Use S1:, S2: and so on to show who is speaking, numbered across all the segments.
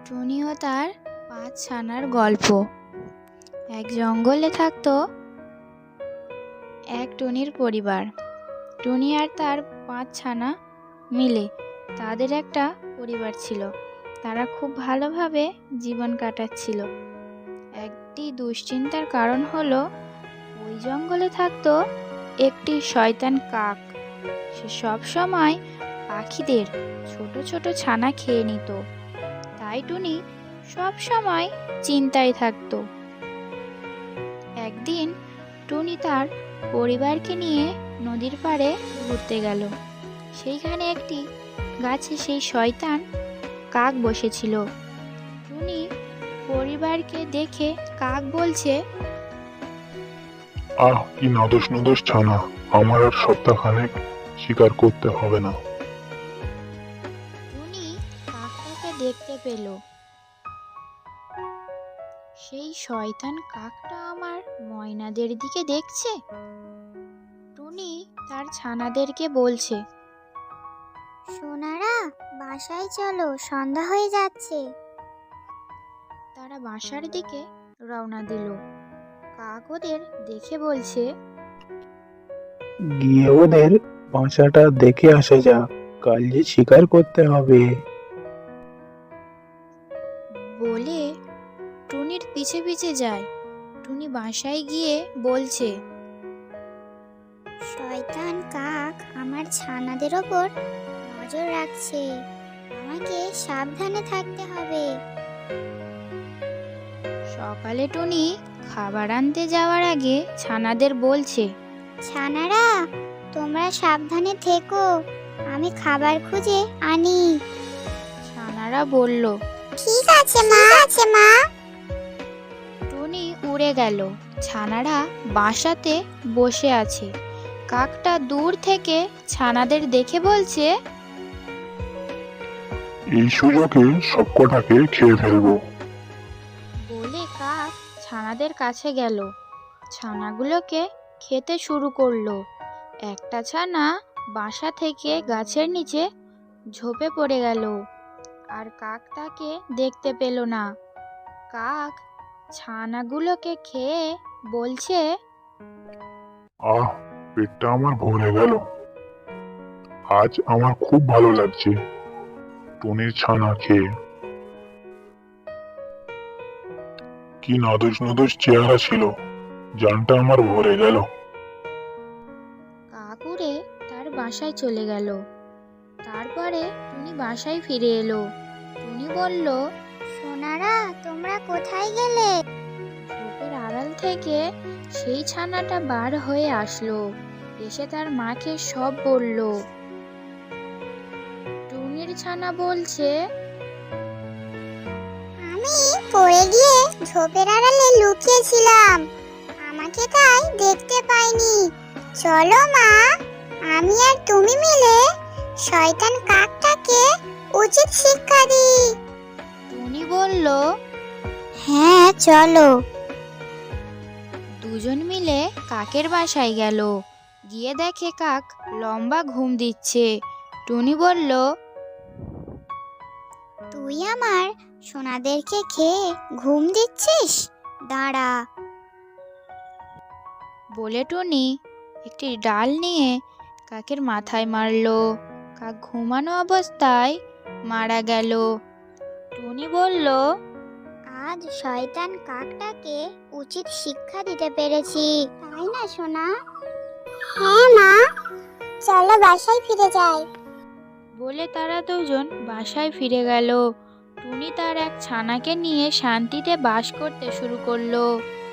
S1: টুনি ও তার ৫ ছানার গল্প। এক জঙ্গলে থাকতো এক টুনির পরিবার। টুনি আর তার ৫ ছানা মিলে তাদের একটা পরিবার ছিল। তারা খুব ভালোভাবে জীবন কাটাচ্ছিল। একটি দুশ্চিন্তার কারণ হলো ওই জঙ্গলে থাকতো একটি শয়তান কাক। সে সব সময় পাখিদের ছোট ছোট ছানা খেয়ে নিত। তাই টুনি সব সময় চিন্তায় থাকতো। একদিন টুনি তার পরিবারকে নিয়ে নদীর পাড়ে ঘুরতে গেল। সেইখানে একটি গাছে সেই শয়তান কাক বসেছিল। টুনি পরিবারকে দেখে কাক বলছে,
S2: আহ, কি নাদোষ নদোষ ছানা, আমার আর সপ্তাহখানেক শিকার করতে হবে না।
S1: টুনি কাকটাকে দেখতে পেল। সেই শয়তান কাকটা আমার ময়নাদের দিকে দেখছে। টুনি তার ছানাদেরকে বলছে,
S3: সোনারা, বাসায় চলো, সন্ধ্যা হয়ে যাচ্ছে।
S1: তারা বাসার দিকে রওনা দিল। কাক ওদের দেখে বলছে,
S4: গিয়ে ওদের বাসাটা দেখে আসা যাক, কাল যে শিকার করতে হবে।
S1: বলে টুনির পিছে পিছে যায়। টুনি বাসায় গিয়ে বলছে,
S3: শয়তান কাক আমার ছানাদের ওপর নজর রাখছে, আমাকে সাবধানে থাকতে হবে।
S1: সকালে টুনি খাবার আনতে যাওয়ার আগে ছানাদের বলছে,
S3: ছানারা, তোমরা সাবধানে থেকো, আমি খাবার খুঁজে আনি।
S1: ছানারা বলল,
S3: ঠিক আছে মা।
S1: টুনি উড়ে গেল। ছানারা বাসাতে বসে আছে। কাকটা দূর থেকে ছানাদের দেখে বলছে,
S2: এই সুযোগে সবকটাকে খেয়ে ফেলবো।
S1: বলে কাক ছানাদের কাছে গেল। ছানাগুলোকে খেতে শুরু করলো। একটা ছানা বাসা থেকে গাছের নিচে ঝোপে পড়ে গেল। আর কাক তাকে দেখতে পেল না। কাক ছানাগুলোকে খেয়ে বলছে,
S2: আহ, পেটটা আমার ভরে গেল। আজ আমার খুব ভালো লাগছে টুনির ছানা খেয়ে। কি নাদোষ নদোষ চেহারা ছিল, জানটা আমার ভরে গেল।
S1: কাক উড়ে তার বাসায় চলে গেল। তারপরে টুনি বাসায় ফিরে এলো। টুনি বলল,
S3: সোনারা, তোমরা কোথায় গেলে?
S1: ঝোপের আড়াল থেকে সেই ছানাটা বার হয়ে আসলো। এসে তার মাকে সব বলল। টুনির ছানা বলছে,
S3: আমি পড়ে গিয়ে ঝোপের আড়ালে লুকিয়েছিলাম, আমাকে তাই দেখতে পাইনি। চলো মা, আমি আর তুমি মিলে শয়তান কাকটাকে উচিত শিক্ষা দিই।
S1: টুনি বলল,
S3: হ্যাঁ চলো।
S1: দুজন মিলে কাকের বাসায় গেল। গিয়ে দেখে কাক লম্বা ঘুম দিচ্ছে। টুনি বলল,
S3: তুই আমার সোনাদেরকে খেয়ে ঘুম দিচ্ছিস? দাঁড়া।
S1: বলে টুনি একটি ডাল নিয়ে কাকের মাথায় মারলো। কাক ঘুমানো অবস্থায় মারা গেল। টুনি বলল,
S3: আজ শয়তান কাকটাকে উচিত শিক্ষা দিতে পেরেছি, তাই না সোনা? হ্যাঁ মা, চলো বাসায় ফিরে যাই।
S1: বলে তারা দুজন বাসায় ফিরে গেল। টুনি তার এক ছানাকে নিয়ে শান্তিতে বাস করতে শুরু করলো।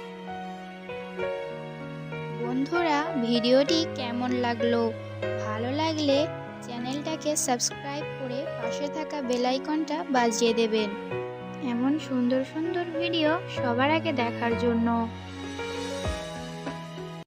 S1: বন্ধুরা, ভিডিওটি কেমন লাগলো? ভালো লাগলে চ্যানেলটাকে সাবস্ক্রাইব করে পাশে থাকা বেল আইকনটা বাজিয়ে দেবেন এমন সুন্দর সুন্দর ভিডিও সবার আগে দেখার জন্য।